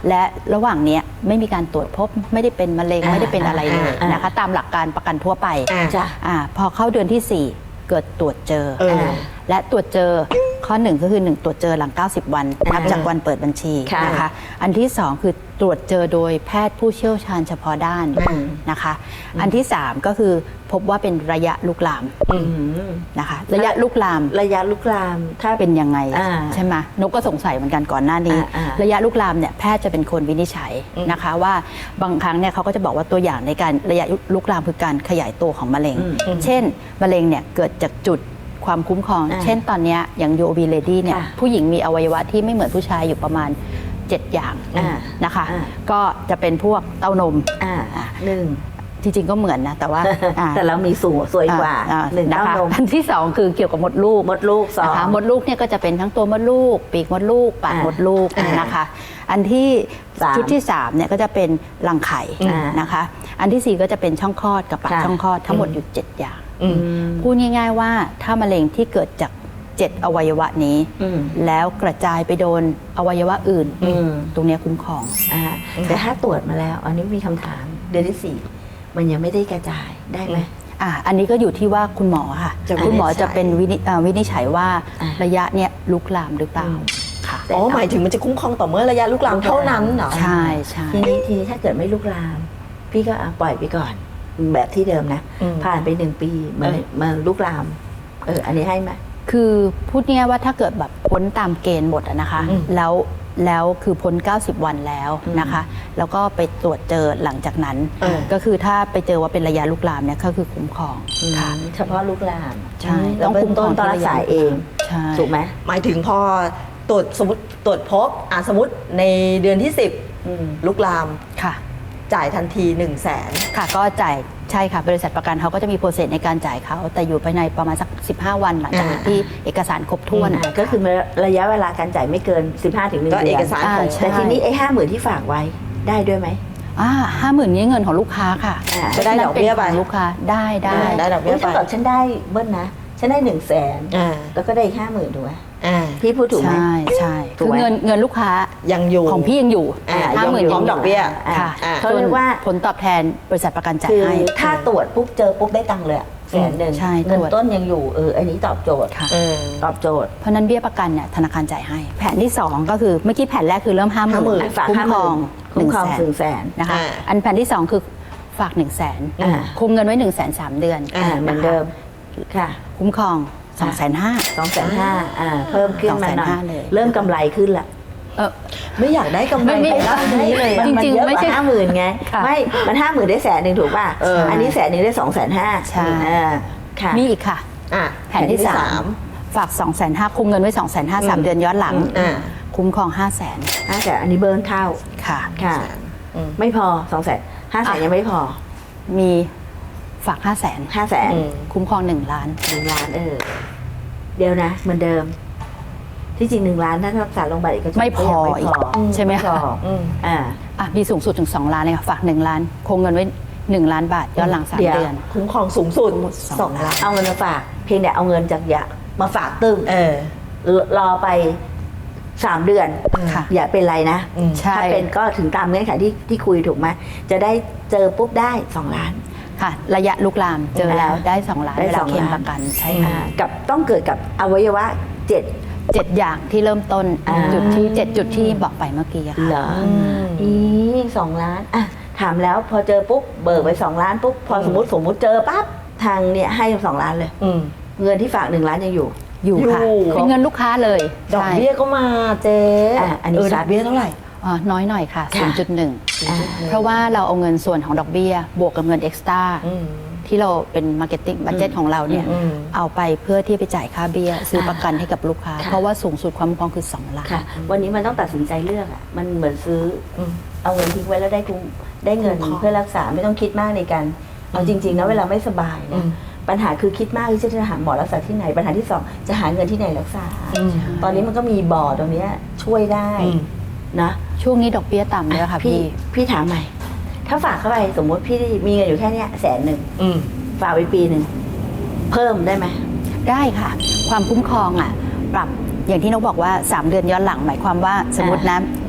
Speaker 5: และระหว่างเนี้ยไม่มีการตรวจพบไม่ได้เป็นมะเร็ง
Speaker 4: อ่า
Speaker 5: ไม่ได้เป็นอะไรเลย
Speaker 4: อ่า
Speaker 5: นะคะ ตามหลักการประกันทั่วไป
Speaker 2: อ่า
Speaker 4: จ้ะ
Speaker 5: อ่าพอเข้าเดือนที่สี่เกิดตรวจเจอ
Speaker 2: เออ
Speaker 5: และตรวจเจอข้อหนึ่งก็คือหนึ่งตรวจเจอหลังเก้าสิบวันนับจากวันเปิดบัญชี
Speaker 4: ค่ะ
Speaker 5: นะคะอันที่สองคือตรวจเจอโดยแพทย์ผู้เชี่ยวชาญเฉพาะด้าน
Speaker 4: อืม
Speaker 5: นะคะอันที่สามก็คือพบว่าเป็นระยะลุกลาม
Speaker 4: อืม
Speaker 5: นะคะระยะลุกลาม
Speaker 4: ระยะลุกลามถ้า
Speaker 5: เป็นยังไง
Speaker 4: อ่า
Speaker 5: ใช่ไหมนกก็สงสัยเหมือนกันก่อนหน้านี้
Speaker 4: อ่าอ่า
Speaker 5: ระยะลุกลามเนี่ยแพทย์จะเป็นคนวินิจฉัยนะคะว่าบางครั้งเนี่ยเขาก็จะบอกว่าตัวอย่างในการระยะลุกลามคือการขยายตัวของมะเร็ง เช่นมะเร็งเนี่ยเกิดจากจุดความคุ้มครอง
Speaker 4: อ่า
Speaker 5: เช่นตอนเนี้ยอย่าง ยู โอ บี Lady เนี่ย
Speaker 4: ค่ะ
Speaker 5: ผู้หญิงมีอวัยวะที่ไม่เหมือนผู้ชายอยู่ประมาณเจ็ดอย่าง
Speaker 4: อ่า
Speaker 5: นะคะ
Speaker 4: อ่า
Speaker 5: ก็จะเป็นพวกเต้านม
Speaker 4: อ่าหนึ่ง
Speaker 5: จริงๆก็เหมือนนะแต่ว่าอ่า
Speaker 4: แต่เรามีสูงสวยกว่า
Speaker 5: อ่
Speaker 4: หนึ่ง
Speaker 5: นะ
Speaker 4: เต้า
Speaker 5: คะ
Speaker 4: นม
Speaker 5: อันที่สองคือเกี่ยวกับมดลูก
Speaker 4: มดลูกสอง
Speaker 5: นะคะมดลูกเนี่ยก็จะเป็นทั้งตัวมดลูก ปีกมดลูกปาก
Speaker 4: อ่าม
Speaker 5: มดลูก
Speaker 4: อ่าน
Speaker 5: นะคะ อันที่
Speaker 4: สาม
Speaker 5: ชุดที่สามเนี่ยก็จะเป็นรังไข่
Speaker 4: อ่าน
Speaker 5: นะคะ อันที่สี่ก็จะเป็นช่องคลอดกับปาก
Speaker 4: ค่ะ
Speaker 5: ช่องคลอดทั้งหมดอยู่เจ็ดอย่าง
Speaker 2: อืม
Speaker 5: พูดง่ายๆว่าถ้ามะเร็งที่เกิดจากเจ็ดอวัยวะนี้
Speaker 4: อืม
Speaker 5: แล้วกระจายไปโดนอวัยวะอื่น
Speaker 4: อืม
Speaker 5: ตรงเนี้ยคุ้มครอง
Speaker 4: อ่าแต่ถ้าตรวจมาแล้ว อันนี้มีคำถามเดือนที่สี่มันยังไม่ได้กระจายได้ไหม
Speaker 5: อ่ะอันนี้ก็อยู่ที่ว่าคุณหมอค่ะ
Speaker 2: จะ
Speaker 5: คุณหมอ
Speaker 2: วินิจฉัย
Speaker 5: จะเป็นวินิเอ่อวินิจฉัยว่า
Speaker 4: อ่ะ
Speaker 5: ระยะเนี้ยลุกลามหรือเปล่า
Speaker 4: อืม
Speaker 5: ค่ะ
Speaker 2: อ๋อหมายถึงมันจะคุ้มครองต่อเมื่อระยะลุกลามเท่านั้นเหรอ
Speaker 5: ใช่ใช่
Speaker 4: ทีนี้ทีนี้ถ้าเกิดไม่ลุกลาม พี่ก็อ่ะปล่อยไปก่อน แบบที่เดิมนะ
Speaker 2: อืม
Speaker 4: ผ่านไปหนึ่งปีมัน
Speaker 2: เออ
Speaker 4: มันลุกลาม เออ อันนี้ให้ไหม
Speaker 5: คือพูดง่ายๆว่าถ้าเกิดแบบพ้นตามเกณฑ์หมดอะนะคะ
Speaker 2: อืม
Speaker 5: แล้วแล้วคือพ้น เก้าสิบ วันแล้วนะคะ แล้วก็ไปตรวจเจอหลังจากนั้น
Speaker 2: เออ
Speaker 5: ก็คือถ้าไปเจอว่าเป็นระยะลุกลามเนี่ยก็คือคุ้มครองค่ะ
Speaker 4: เฉพาะลุกลาม
Speaker 5: ใช่
Speaker 4: แล้ว
Speaker 5: ต้อง
Speaker 4: เบื้
Speaker 5: คุ้
Speaker 4: อง
Speaker 5: มคร
Speaker 4: ต้
Speaker 5: อน ง
Speaker 4: ต้องรักษา
Speaker 5: ที่ระยะ
Speaker 4: เอง
Speaker 5: ใช่
Speaker 4: ถูกไหม
Speaker 2: หมายถึงพอตรวจสมมติตรวจพบอ่าสมมติในเดือนที่สิบ
Speaker 4: อืม
Speaker 2: ลุกลาม
Speaker 5: ค่ะ
Speaker 2: จ่ายทันที1นึ่งแสน
Speaker 5: ค่ะก็จ่ายใช่ค่ะบริษัทประกันเขาก็จะมีโปรเซสในการจ่ายเขาแต่อยู่ภายในประมาณสักสิบห้าวันหลังจาก
Speaker 2: อ่า
Speaker 5: ที่เอกสารครบถ้วน
Speaker 4: อ่าก็คือระยะเวลาการจ่ายไม่เกิน สิบห้าถึงหนึ่ง
Speaker 2: ก็
Speaker 4: เดื
Speaker 2: เอ
Speaker 4: อน
Speaker 2: กสารของ
Speaker 5: อ่าใช่
Speaker 4: แต่ทีนี้ไอ้ห้าหมื่นที่ฝากไว้ได้ด้วยไหม
Speaker 5: อ่าห้าหมื่นนี้เงินของลูกค้าค่ะ
Speaker 4: อ่า
Speaker 2: จะได้ดอกเบี้ยไป
Speaker 5: นั่นนของลูกค้าได้ได้
Speaker 2: ได้ดอกเบี้ย
Speaker 4: ถ้า
Speaker 2: ไป
Speaker 4: เกิดฉันได้เบิ้ลนะ ฉันได้หนึ่งแสน
Speaker 2: อ่า
Speaker 4: แล้วก็ได้ห้าหมื่นถูกไหม
Speaker 2: อ่า
Speaker 4: พี่พูดถูกไหม
Speaker 5: ใช่ใช่
Speaker 4: ถูก
Speaker 5: คือ
Speaker 4: ไหม
Speaker 5: เงินเงินลูกค้า
Speaker 2: ยังอยู่
Speaker 5: ของพี่ยังอยู่
Speaker 2: อ่า
Speaker 5: ห้าหมื่น
Speaker 2: พร้อมดอกเบี้ย
Speaker 4: อ่า
Speaker 5: ค่ะ
Speaker 2: อ่า
Speaker 4: เขาเรียกว่า
Speaker 5: ผลตอบแทนบริษัทประกันจ่าย
Speaker 4: คือ
Speaker 5: ให้
Speaker 4: ถ้าตรวจปุ๊บเจอปุ๊บได้ตังค์เลยอะแสนหนึ่ง
Speaker 5: ใช่
Speaker 4: เงิน
Speaker 5: ตรวจ
Speaker 4: ต้นยังอยู่เอออันนี้ตอบโจทย์
Speaker 5: ค่ะ
Speaker 2: เออ
Speaker 4: ตอบโจทย์
Speaker 5: เพราะฉะนั้นเบี้ยประกันเนี่ยธนาคารจ่ายให้ แผนที่สองก็คือเมื่อกี้แผนแรกคือเริ่มห้าหมื่น
Speaker 2: ห้าหมื่น
Speaker 4: ฝาก
Speaker 5: คุ้ม
Speaker 4: ห้า
Speaker 5: ค
Speaker 4: ห
Speaker 5: ร
Speaker 4: มื่
Speaker 5: อน งห
Speaker 4: คุ้
Speaker 5: นึ่
Speaker 4: ม
Speaker 5: ง
Speaker 4: ครอง
Speaker 5: แสน
Speaker 4: ถึงแสน
Speaker 5: นะคะ
Speaker 2: อ่า
Speaker 5: อันแผนที่สองคือฝากหนึ่งแสน
Speaker 4: อ่า
Speaker 5: คุมเงินไว้หนึ่งแสนสามเดือน
Speaker 4: อ่าเหมือนเดิมค่ะ
Speaker 5: คุ้มครองสองแสนห้า
Speaker 4: สองแสนห้าอ่าเพิ่มขึ้นมาหน่อย
Speaker 5: สองแสนห้าเลย
Speaker 4: เริ่มกำไรขึ้นละ
Speaker 5: เออ
Speaker 2: ไม่อยากได้กำไร
Speaker 5: ไม่ไม่
Speaker 2: ไปด้านนี้เลย
Speaker 4: มัน
Speaker 5: จ
Speaker 4: มัน
Speaker 5: ริงๆ
Speaker 4: เยอะ
Speaker 5: ไม่
Speaker 4: ก
Speaker 5: ใช่
Speaker 4: ว่าห้าหมื่นไง
Speaker 5: ค่ะ
Speaker 4: ไม่มันห้าหมื่นได้แสนหนึ่งถูกป่ะ
Speaker 2: เอออั
Speaker 4: อันนี้แสนหนึ่งได้สองแสนห้า
Speaker 5: ใช่
Speaker 4: อ่าค่ะ
Speaker 5: มีอีกค่ะ
Speaker 2: อ่ะ
Speaker 5: แผนที่สามฝาก 2 5 0 0 0คุมเงินไว้ 2 5 0 0 0 สามเดือนย้อนหลัง
Speaker 2: อ่า
Speaker 5: คุ้มครอง 5 0 0 0 0 0
Speaker 4: อ่าแต่อันนี้เบิร์นเข้า
Speaker 5: ค่ะ
Speaker 4: ค่ะ
Speaker 2: อืม
Speaker 4: ไม่พอสองแสนห้าแสน
Speaker 5: อ่ะ
Speaker 4: ยังไม่พอ
Speaker 5: มีฝาก 5 0 0 0 0
Speaker 4: ห้าแสน
Speaker 2: อืม
Speaker 5: คุ้มครอง 1 ล้าน
Speaker 4: หนึ่งล้านเออเดี๋ยวนะ เหมือนเดิม ที่จริงหนึ่งล้านถ้ารักษาโรงพยาบาลเอกชน
Speaker 5: ไม่พอ
Speaker 4: ก็ยังไม่พอ
Speaker 5: อีกใช่ไหม
Speaker 4: พอ
Speaker 5: คะ
Speaker 2: อืม
Speaker 4: อ่า
Speaker 5: อ่ะมีสูงสุดถึง 2 ล้านเลยค่ะฝาก 1 ล้าน คงเงินไว้ 1 ล้านบาทย้อนหลัง 3
Speaker 4: เดี๋ยว
Speaker 5: เดือน
Speaker 2: คุ้มครองสูงสุด
Speaker 5: สอง
Speaker 2: สองล้าน
Speaker 4: เอาเงินมาฝาก เพียงแต่เอาเงินจากยามาฝากตึ้ง
Speaker 2: เออ
Speaker 4: รอไปสามเดือน
Speaker 5: ค่ะ
Speaker 4: อย่าเป็นไรนะ
Speaker 2: อืม
Speaker 5: ใช่
Speaker 4: ถ้าเป็นก็ถึงตามเงื่อนไขที่ที่คุยถูกไหมจะได้เจอปุ๊บได้สองล้าน
Speaker 5: ค่ะ ระยะลุกลามเจอแล้วได้ 2 ล้าน
Speaker 4: ได้
Speaker 5: เวลา
Speaker 4: สอง
Speaker 5: เคลม
Speaker 4: ล้าน
Speaker 5: ประกันใช่
Speaker 4: อ่า
Speaker 5: ค่ะ
Speaker 4: กับต้องเกิดกับอวัยวะเจ็ด
Speaker 5: เจ็ดอย่างที่เริ่มต้น
Speaker 4: อ่า
Speaker 5: จุดที่เจ็ดจุดที่บอกไปเมื่อกี้อะค่ะ
Speaker 4: เหรออีสองล้านอ่ะถามแล้วพอเจอปุ๊บเบิกไปสองล้านปุ๊บพอสมมติสมมติเจอปั๊บทางเนี่ยให้สองล้านเลย
Speaker 2: อืม
Speaker 4: เงินที่ฝากหนึ่งล้านยังอยู่
Speaker 5: อยู่ค่ะ
Speaker 2: อยู่
Speaker 5: เป็นเงินลูกค้าเลย
Speaker 2: ดอก
Speaker 5: ใช่
Speaker 2: เบี้ยก็มาเจ๊
Speaker 4: อ่ะอันนี้
Speaker 2: เออ
Speaker 4: ชั
Speaker 2: ด
Speaker 4: ด
Speaker 2: อกเบี้ยเท่าไหร่
Speaker 5: อ๋อน้อยหน่อยค่ะ
Speaker 4: ค่ะ
Speaker 5: ศูนย์จุดหนึ่ง
Speaker 4: อ่า
Speaker 5: เพราะว่าเราเอาเงินส่วนของดอกเบี้ย บวกกับเงินเอ็กซ์ตร้า
Speaker 2: อืม
Speaker 5: ที่เราเป็นมาร์เก็ตติ้งบัตเจ็ตของเราเนี่ย
Speaker 2: อืม
Speaker 5: เอาไปเพื่อที่ไปจ่ายค่าเบี้ย ซื้อ
Speaker 4: ค่ะ
Speaker 5: ประกันให้กับลูกค้า
Speaker 4: ค่ะ
Speaker 5: เพราะว่าสูงสุดความคุ้มครองคือ 2 ล้าน
Speaker 4: ค่ะ วันนี้มันต้องตัดสินใจเลือกอ่ะมันเหมือนซื้อ
Speaker 2: อืม
Speaker 4: เอาเงินทิ้งไว้แล้วได้คุ้มได้เงิน
Speaker 2: คุ้มครอง
Speaker 4: เพื่อรักษาไม่ต้องคิดมากในการเอาจริงๆนะเวลาไม่สบาย
Speaker 2: อื
Speaker 4: นะ
Speaker 2: ม
Speaker 4: ปัญหาคือคิดมากที่จะหาหมอรักษาที่ไหนปัญหาที่สองจะหาเงินที่ไหนรักษา
Speaker 2: อืม
Speaker 4: ตอนนี้มันก็มีบอร์ดตรงเนี้ยช่วยได้
Speaker 2: อืม
Speaker 4: นะ
Speaker 5: ช่วงนี้ดอกเบี้ยต่ำเลยค่ะพี่
Speaker 4: พี่ถามใหม่ ถ้าฝากเข้าไปสมมติพี่มีเงินอยู่แค่เนี้ยแสนหนึ่ง
Speaker 2: อืม
Speaker 4: ฝากไว้ปีหนึ่งเพิ่มได้ไหม
Speaker 5: ได้ค่ะ ความคุ้มครองอ่ะปรับอย่างที่นกบอกว่า 3 เดือนย้อนหลังหมายความว่าสมมตินะ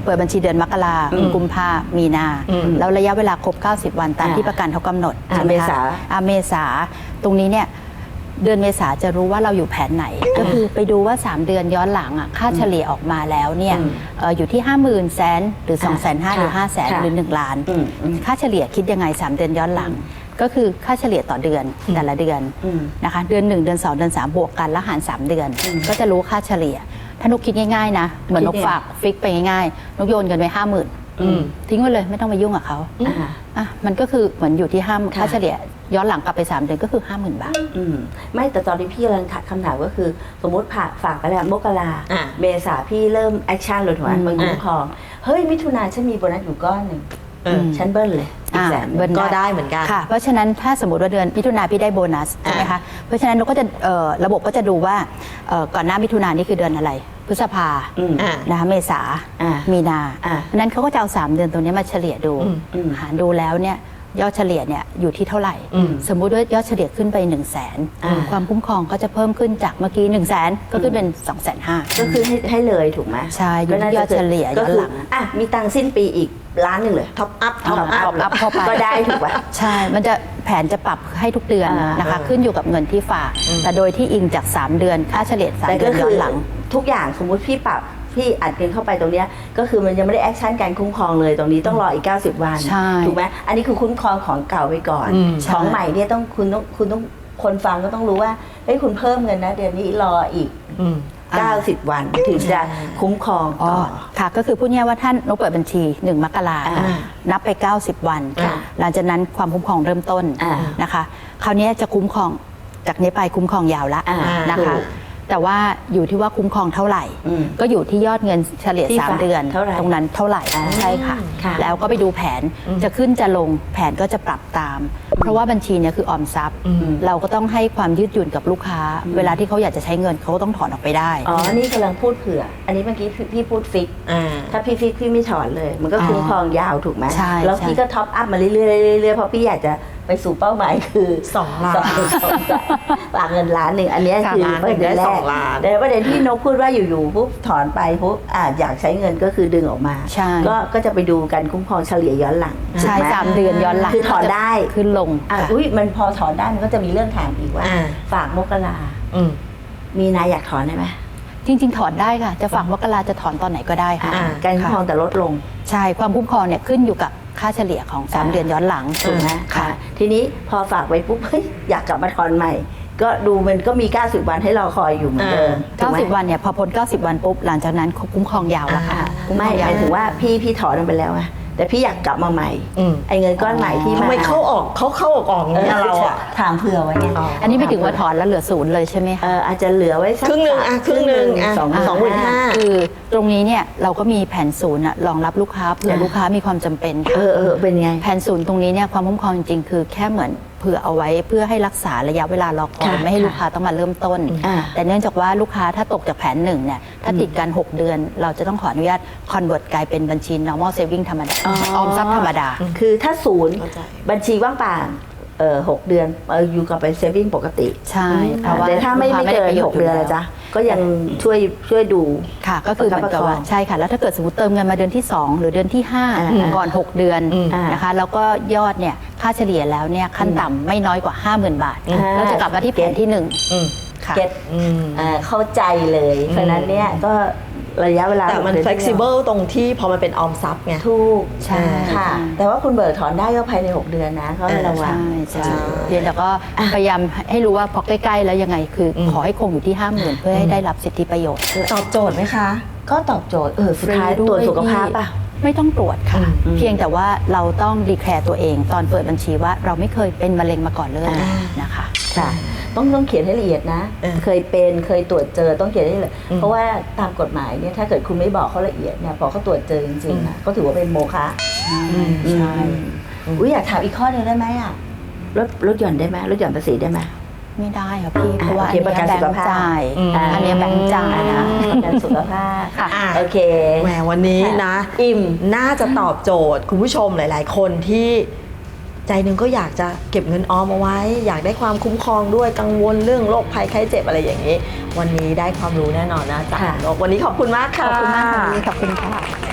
Speaker 5: เปิดบัญชีเดือนมกรากุมภามีนา
Speaker 2: อืม
Speaker 5: แล้วระยะเวลาครบเก้าสิบวันตาม
Speaker 4: อ่า
Speaker 5: ที่ประกันเขากำหนด
Speaker 4: อ่า
Speaker 5: ใช่ไหม
Speaker 4: เม
Speaker 5: คะ
Speaker 4: ษา
Speaker 5: อ่าเมษาตรงนี้เนี่ยเดือนเมษาจะรู้ว่าเราอยู่แผนไหน ก็คือไปดูว่า สาม เดือนย้อนหลังอ่ะค่าเฉลี่ยออกมาแล้วเนี่ย
Speaker 4: อืม
Speaker 5: เอ่ออยู่ที่ ห้าหมื่นแสนหรือ สองแสนห้า
Speaker 4: ค่ะ
Speaker 5: หรือ ห้าแสน
Speaker 4: ค่ะ
Speaker 5: หรือ หนึ่ง ล้าน
Speaker 4: อืมอืม
Speaker 5: ค่าเฉลี่ยคิดยังไง สาม เดือนย้อนหลัง ก็คือค่าเฉลี่ยต่อเดือนแต่ละเดือน
Speaker 4: อืม
Speaker 5: นะคะเดือนหนึ่งเดือนสองเดือนสามบวกกันแล้วหารสามเดือน ก็จะรู้ค่าเฉลี่ย ถ้านกคิดง่ายๆนะเหมือนนก
Speaker 4: คิดยังไง
Speaker 5: ฝากฟิกไปง่ายๆนกโยนเงินไปห้าหมื่น
Speaker 2: อืม
Speaker 5: ทิ้งไว้เลยไม่ต้องไปยุ่งกับเขา
Speaker 4: อ่า
Speaker 5: อ่ะมันก็คือเหมือนอยู่ที่ห้า
Speaker 4: ค่ะ
Speaker 5: ค่าเฉลี่ยย้อนหลังกลับไปสามเดือนก็คือ ห้าหมื่น บาท
Speaker 4: อืมไม่แต่ตอนที่พี่กำลังถามคำถามก็คือ สมมติผ่าฝากไปแล้วมกรา
Speaker 2: อ่ะ
Speaker 4: เมษาพี่เริ่มแอคชั่นเลยถูกไหม
Speaker 5: อืม
Speaker 4: มันคุ้มครอง เฮ้ยมิถุนาฉันมีโบนัสอยู่ก้อนหนึ่ง
Speaker 2: เออ
Speaker 4: ฉันเบิ้ลเลยอีก
Speaker 5: อ่า
Speaker 4: แสนหนึ่ง
Speaker 5: เบิ้ล
Speaker 2: ก็ได้เหมือนกัน
Speaker 5: ค่ะ เพราะฉะนั้นถ้าสมมติว่าเดือนมิถุนาพี่ได้โบนัสใช่ไหมคะ เพราะฉะนั้นเราก็จะเอ่อระบบก็จะดูว่าเอ่อก่อนหน้ามิถุนานี่คือเดือนอะไร พฤษภา
Speaker 4: อืม
Speaker 2: อ่ะ
Speaker 5: นะคะเมษา
Speaker 4: อ่า
Speaker 5: มีนา
Speaker 4: อ่า
Speaker 5: เพราะฉะนั้นเขาก็จะเอาสามเดือนตรงนี้มาเฉลี่ยดู
Speaker 2: อืม
Speaker 4: อืม
Speaker 5: หารดูแล้วเนี่ยยอดเฉลี่ยเนี่ยอยู่ที่เท่าไหร่
Speaker 2: อืม
Speaker 5: สมมุติว่ายอดเฉลี่ยขึ้นไป 1 0 0 0 0แสน
Speaker 4: อ่า
Speaker 5: ความคุ้มครองก็จะเพิ่มขึ้นจากเมื่อกี้ 1 0 0 0 0แสนก็ขึ้นเป็น 2 5 0 0 0 0
Speaker 4: ก็คือให้ให้เลยถูกไหม
Speaker 5: ใช่อยู่ที่ยอดเฉลี่ย
Speaker 4: ก็
Speaker 5: ย้อน
Speaker 4: คื
Speaker 5: หลัง
Speaker 4: อ่ะมีตังค์สิ้นปีอีกล้านหนึ่งเลย
Speaker 2: ท็อปอัพ
Speaker 5: ท็อปอัพ
Speaker 4: เลย
Speaker 5: อัพเข้าไป
Speaker 4: ก็ได้ถูกป่ะ
Speaker 5: ใช่ มันจะแผนจะปรับให้ทุกเดือน
Speaker 4: อ่าน
Speaker 5: นะคะ
Speaker 2: เออ
Speaker 5: ขึ้นอยู่กับเงินที่ฝาก แต่โดยที่อิงจาก สาม เดือนค่าเฉลี่ยสาม
Speaker 4: แต่
Speaker 5: เดื
Speaker 4: ก็
Speaker 5: อนย้
Speaker 4: คือ อน
Speaker 5: หลัง
Speaker 4: ทุกอย่างสมมุติพี่ปรับพี่อัดเงินเข้าไปตรงเนี้ยก็คือมันยังไม่ได้แอคชั่นการคุ้มครองเลยตรงนี้ต้องรออีกเก้าสิบวัน
Speaker 5: ใช่
Speaker 4: ถูกไหมอันนี้คือคุ้มครองของเก่าไปก่อน
Speaker 2: อืม
Speaker 4: ของ
Speaker 5: ใช่
Speaker 4: ใหม่เนี่ยต้องคุณต้องคุณต้องคนฟังก็ต้องรู้ว่าเฮ้ยคุณเพิ่มเงินนะเดือนนี้รออีก
Speaker 2: อืม
Speaker 4: เก้าสิบวันถึงจะคุ้มครอง
Speaker 5: อ๋อ
Speaker 4: ต่อ
Speaker 5: ค่ะ ก็คือพูดง่ายๆว่าท่านนกเปิดบัญชีหนึ่งมกรา
Speaker 4: อ่า
Speaker 5: นับไป เก้าสิบ วัน
Speaker 4: ค่ะ
Speaker 5: หลังจากนั้นความคุ้มครองเริ่มต้น
Speaker 4: อ่า
Speaker 5: นะคะ คราวนี้จะคุ้มครองจากนี้ไปคุ้มครองยาวละ
Speaker 4: อ่า
Speaker 5: นะคะ
Speaker 4: ถูก
Speaker 5: แต่ว่าอยู่ที่ว่าคุ้มครองเท่าไหร่
Speaker 4: อืม
Speaker 5: ก็อยู่ที่ยอดเงินเฉลี่ย
Speaker 4: ที่
Speaker 5: สาม
Speaker 4: ฝาก
Speaker 5: เดือน
Speaker 4: เท่าไหร่
Speaker 5: ตรงนั้นเท่าไหร่
Speaker 4: อ่า
Speaker 5: ใช่ค่ะ
Speaker 4: ค่ะ
Speaker 5: แล้วก็ไปดูแผนจะขึ้นจะลงแผนก็จะปรับตาม เพราะว่าบัญชีเนี่ยคือออมทรัพย์
Speaker 2: อืม
Speaker 5: เราก็ต้องให้ความยืดหยุ่นกับลูกค้า เวลาที่เขาอยากจะใช้เงินเขาก็ต้องถอนออกไปได้
Speaker 4: อ๋อนี่กำลังพูดเผื่อ อันนี้เมื่อกี้พี่พี่พูดฟิก
Speaker 2: อ่า
Speaker 4: ถ้าพี่ฟิกพี่ไม่ถอนเลย มันก็คุ้มครองยาวถูกไหม
Speaker 5: ใช่
Speaker 4: แล้ว
Speaker 5: ใช่
Speaker 4: พี่ก็ท็อปอัพมาเรื่อยๆเรื่อยๆเพราะพี่อยากจะไปสู่เป้าหมายคือ
Speaker 2: สองล้าน
Speaker 4: สองสองฝากเงินล้านหนึ่งอันเนี้ย
Speaker 2: ค่ะ
Speaker 4: คือ
Speaker 2: ล้านห
Speaker 4: ป
Speaker 2: นึ่
Speaker 4: ระ
Speaker 2: ง
Speaker 4: เด็น
Speaker 2: ได้
Speaker 4: แร
Speaker 2: สอก งล้าน
Speaker 4: แต่ประเด็นที่นกพูดว่าอยู่ๆปุ๊บถอนไปปุ๊บอ่าอยากใช้เงินก็คือดึงออกมา
Speaker 5: ใช่
Speaker 4: ก็ก็จะไปดูการคุ้มครองเฉลี่ยย้อนหลัง
Speaker 5: ใช่
Speaker 4: ถูกไห
Speaker 5: สามเดือนย้อนหลัง
Speaker 4: คือถอนได้
Speaker 5: ขึ้นลง
Speaker 4: อ่ะ
Speaker 5: ค่ะ
Speaker 4: อุ้ยมันพอถอนได้มันก็จะมีเรื่องถามอีกว่า
Speaker 2: อ่า
Speaker 4: ฝากมกรา
Speaker 2: อืม
Speaker 4: มีนายอยากถอนได้ไหม
Speaker 5: จริง ๆ ถอนได้ค่ะ จะฝากมกราจะถอนตอนไหนก็ได้ค่ะ
Speaker 2: อ่า
Speaker 4: การคุ้มครองแต่ลดลง
Speaker 5: ใช่ ความคุ้มครองเนี่ยขึ้นอยู่กับค่าเฉลี่ยของ สาม
Speaker 4: อ่า
Speaker 5: เดือนย้อนหลัง
Speaker 4: ถูกไหม
Speaker 5: ค่ะ
Speaker 4: อ่ะทีนี้พอฝากไปปุ๊บเฮ้ยอยากกลับมาถอนใหม่ ก็ดูมันก็มี เก้าสิบ วันให้เราคอยอยู่เหมือนเดิมถูกไหม
Speaker 5: เก้าสิบ วันเนี่ยพอพ้นเก้าสิบ วันปุ๊บหลังจากนั้นคุ้มครองยาวแล้วค่ะ
Speaker 2: อ่า
Speaker 5: คุ้มค
Speaker 4: ไม่
Speaker 5: รอง
Speaker 4: ห
Speaker 5: ยาว
Speaker 4: มายถึงว่าพี่พี่ถอนมันไปแล้วไงแต่พี่อยากกลับมาใหม่
Speaker 2: อืม
Speaker 4: ไอ้เงินก้อนใหม่ที่
Speaker 2: ทำไมเข้าออกเขาเข้าออกออกอย่างเงี้ยเราอ่ะ
Speaker 4: ถามเผื่อไว้ไง
Speaker 2: อ๋อ
Speaker 5: อันนี้ไม่ถึงว่าถอนแล้วเหลือศูนย์เลยใช่ไหม
Speaker 4: เอ
Speaker 5: คะ
Speaker 4: ออาจจะเหลือไว้สัก
Speaker 2: ครึ่งหนึ่งอ่ะครึ่งหนึ่งอ่ะ
Speaker 4: สอง
Speaker 2: สองหมื่นห้า
Speaker 5: คือตรงนี้เนี่ยเราก็มีแผนศูนย์อะรองรับลูกค้าเผื่อลูกค้ามีความจำเป็น
Speaker 4: เออเออเป็นไง
Speaker 5: แผนศูนย์ตรงนี้เนี่ยความคุ้มครองจริงๆคือแค่เหมือนเผื่อเอาไว้เพื่อให้รักษาระยะเวลารอคอย
Speaker 4: ค่ะ
Speaker 5: ไม่ให้ลูกค้าต้องมาเริ่มต้น
Speaker 4: อ่า
Speaker 5: แต่เนื่องจากว่าลูกค้าถ้าตกจากแผนหนึ่งเนี่ยถ้าติดกันหกเดือน เราจะต้องขออนุญาตคอนเวิร์ตกลายเป็นบัญชี normal saving ธรรมดา
Speaker 4: อ๋
Speaker 5: อ
Speaker 4: อ
Speaker 5: อมทรัพย์ธรรมดา
Speaker 4: คือถ้าศูนย์
Speaker 2: เข้าใจ
Speaker 4: บัญชีว่างเปล่าเออหกเดือนเอออยู่กับเป็น saving ปกติ
Speaker 5: ใช่เพราะว่า
Speaker 4: แต่ถ้าไม่
Speaker 5: ลู
Speaker 4: ไม่
Speaker 5: ค้
Speaker 4: เกิน
Speaker 5: ด้ประโย
Speaker 4: ห
Speaker 5: ช
Speaker 4: กเดือนละจ๊ะก็ยังช่วยช่วยดู
Speaker 5: ค่ะก็คือเหมือนกับว่า
Speaker 4: ประคับประคอง
Speaker 5: ใช่ค่ะแล้วถ้าเกิดสมมติเติมเงินมาเดือนที่ สอง หรือเดือนที่ห้า
Speaker 4: อ่า
Speaker 5: ก่อนหกเดือน
Speaker 2: อืม
Speaker 5: นะคะแล้วก็ยอดเนี่ยค่าเฉลี่ยแล้วเนี่ยขั้นต่ำไม่น้อยกว่า ห้าหมื่น บาท
Speaker 4: อ่า
Speaker 5: แล้วจะกลับมาที่แผนที่หนึ่ง
Speaker 2: อืม
Speaker 5: ค่ะ
Speaker 4: เก็ต
Speaker 2: อืม
Speaker 4: อ่าเข้าใจเลย เพราะฉะนั้นเนี่ยก็ระยะเวลา
Speaker 2: แต่มัน
Speaker 4: หกดือ
Speaker 2: flexible ตรงที่พอมันเป็นออมทรัพย์ไง
Speaker 4: ถูก
Speaker 5: ใช่
Speaker 4: ค่ะ แต่ว่าคุณเบิกถอนได้ก็ภายในหกเดือนนะเขาให้ระวัง
Speaker 5: ใช่ใช่
Speaker 2: ใช่
Speaker 5: เรียนแต่ก็พยายามให้รู้ว่าพอใกล้ๆแล้วยังไงคืออ
Speaker 2: ม
Speaker 5: ขอให้คงอยู่ที่ห้าหมื่นเพื่อให้ได้รับสิทธิประโยชน์
Speaker 2: ตอบโจทย์ไหมคะ
Speaker 4: ก็ตอบโจทย์เออสุดท้าย
Speaker 5: ฟรีด้วย
Speaker 4: ตรวจสุขภาพป่ะ
Speaker 5: ไม่ต้องตรวจค่ะ
Speaker 2: อืม
Speaker 5: เพียงแต่ว่าเราต้องดีแคร์ตัวเอง ตอนเปิดบัญชีว่าเราไม่เคยเป็นมะเร็งมาก่อนเลย
Speaker 4: อ่า
Speaker 5: นะคะ
Speaker 4: ค่ะ ต้องต้องเขียนให้ละเอียดนะ
Speaker 2: เออ
Speaker 4: เคยเป็นเคยตรวจเจอต้องเขียนให้ละเอียดเพราะว่าตามกฎหมายเนี่ยถ้าเกิดคุณไม่บอกเขาละเอียดเนี่ยพอเขาตรวจเจอจริงๆนะก็ถือว่าเป็นโมฆะ
Speaker 5: ใช่
Speaker 4: อุ้ยอยากถามอีกข้อหนึงได้ไหมอ่ะลดลดหย่อนได้ไหมลดหย่อนภาษีได้ไหม
Speaker 5: ไม่ได้ค่ะพี่เพราะว่า
Speaker 4: โอ
Speaker 5: อัน
Speaker 4: เค
Speaker 5: นี้
Speaker 4: ประกัน
Speaker 5: แบ
Speaker 4: สุ
Speaker 5: ง
Speaker 4: ข
Speaker 5: ค์
Speaker 4: ภาพ
Speaker 5: จ่าย
Speaker 2: อืม
Speaker 5: อันนี้แบงค์จ่ายนะ
Speaker 4: ประกันสุขภาพ
Speaker 5: ค่ะ
Speaker 4: โอเค
Speaker 2: แหมวันนี้นะ
Speaker 4: อิ่ม
Speaker 2: น่าจะตอบโจทย์คุณผู้ชมหลาย ๆ คนที่ใจหนึ่งก็อยากจะเก็บเงินออมเอาไว้ อยากได้ความคุ้มครองด้วยกังวลเรื่องโรคภัยไข้เจ็บอะไรอย่างนี้ วันนี้ได้ความรู้แน่นอนนะจาก
Speaker 4: ค่ะ
Speaker 2: นกวันนี้ขอบคุณมากค่ะ
Speaker 5: ขอบคุณมากค่ะพี่ขอบคุณค่ะ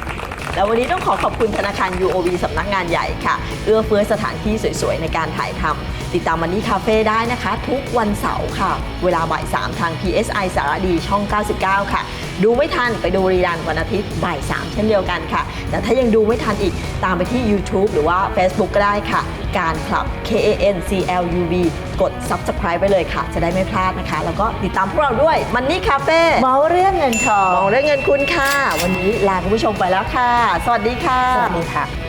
Speaker 2: แล้ววันนี้ต้องขอขอบคุณธนาคาร ยู โอ บี สำนักงานใหญ่ค่ะเอื้อเฟื้อสถานที่สวยๆในการถ่ายทำติดตามมันนี่คาเฟ่ได้นะคะ ทุกวันเสาร์ค่ะเวลาบ่ายสามทาง พี เอส ไอ สารดีช่องเก้าสิบเก้าค่ะดูไม่ทันไปดูรีรันวันอาทิตย์บ่ายสามเช่นเดียวกันค่ะแต่ถ้ายังดูไม่ทันอีกตามไปที่ YouTube หรือว่า Facebook ก็ได้ค่ะการคลับ K A N C L U B กด Subscribe ไปเลยค่ะจะได้ไม่พลาดนะคะแล้วก็ติดตามพวกเราด้วยมันนี่คาเฟ่
Speaker 4: เมาเรื่องเงินทอง
Speaker 2: มองเรื่องเงินคุณค่ะวันนี้ลาคุณผู้ชมไปแล้วค่ะสวัสดีค่ะ
Speaker 4: สวัสดีค่ะ